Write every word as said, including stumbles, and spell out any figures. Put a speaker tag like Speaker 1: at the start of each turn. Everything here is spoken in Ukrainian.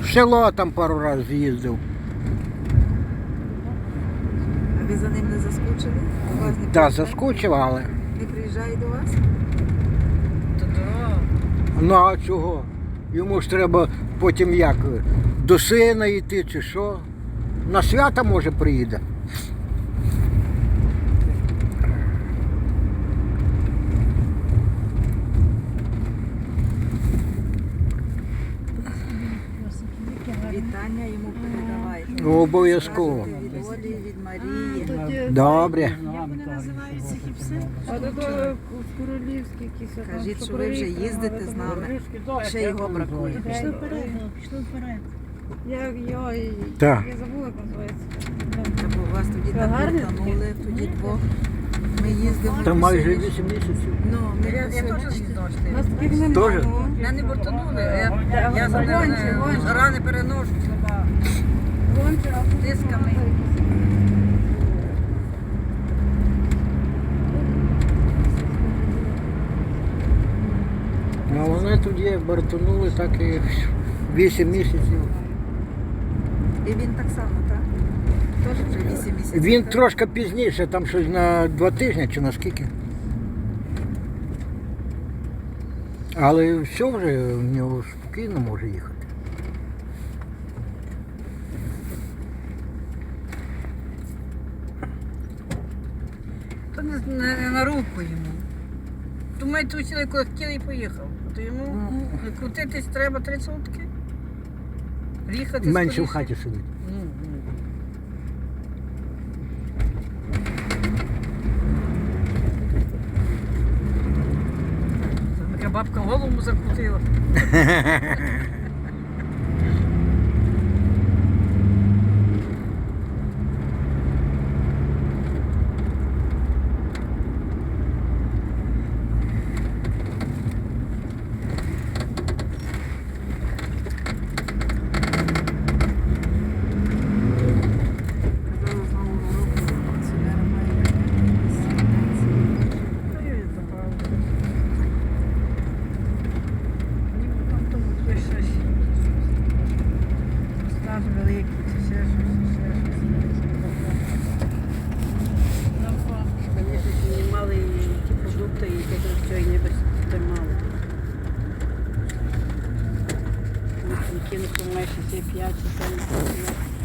Speaker 1: В село там пару разів з'їздив.
Speaker 2: А ви за ним не заскучили? До вас не
Speaker 1: Так,
Speaker 2: приїжджає?
Speaker 1: заскучив, але.
Speaker 2: Не приїжджає до вас?
Speaker 3: То дорога.
Speaker 1: Ну а чого? Йому ж треба потім як до сина йти чи що. На свята може приїде.
Speaker 2: Вітання йому передавайте.
Speaker 1: Ну, обов'язково.
Speaker 2: Від Олі, від Марії.
Speaker 1: Добре.
Speaker 4: Як вони називаються гіпси?
Speaker 5: А то в Королівській якісь.
Speaker 2: Кажіть, що ви вже їздите з нами. Ще його бракує.
Speaker 4: Пішли вперед, пішли вперед.
Speaker 5: Я, я, я,
Speaker 1: Так.
Speaker 5: я забула, як називається.
Speaker 2: Та бо вас тоді
Speaker 5: Це
Speaker 2: так
Speaker 5: гарно
Speaker 2: втонули, тоді двох. Ми їздимо.
Speaker 1: Там майже вісім місяців.
Speaker 2: Ну, ми
Speaker 3: Я, я теж
Speaker 2: сьогодні-
Speaker 3: не знав, що
Speaker 5: У нас
Speaker 3: ти.
Speaker 5: таких немає.
Speaker 1: Тоже?
Speaker 5: ну.
Speaker 3: Я не бортанули, я, я за
Speaker 5: Гонче,
Speaker 3: ними
Speaker 5: гонче.
Speaker 3: рани переношу слаба.
Speaker 5: Гонче, а тут
Speaker 3: Тисками.
Speaker 1: А вони тоді бортанули так і вісім місяців.
Speaker 2: І він так само, так? Теж вже вісім місяців.
Speaker 1: Він
Speaker 2: так?
Speaker 1: трошки пізніше, там щось на два тижні чи на скільки. Але все вже в нього спокійно може їхати.
Speaker 3: То не, не, не на руку йому. То ми тусили, коли хотіли і поїхав. То йому крутитись треба три сутки. Їхати
Speaker 1: Менше в
Speaker 3: скоріше.
Speaker 1: хаті сидить.
Speaker 3: Ну, ну. Це така бабка голову закрутила.
Speaker 2: Казали, з Нового року пенсіонери мають якісь пенсії.
Speaker 3: Та я її забрала. Ніби там тому хтось щось. Стаж великий, чи ще щось, ще щось. Звісно, знімали і ті продукти, і таке все, і ніби тримали. Кінку майже всі п'ять, чи сім.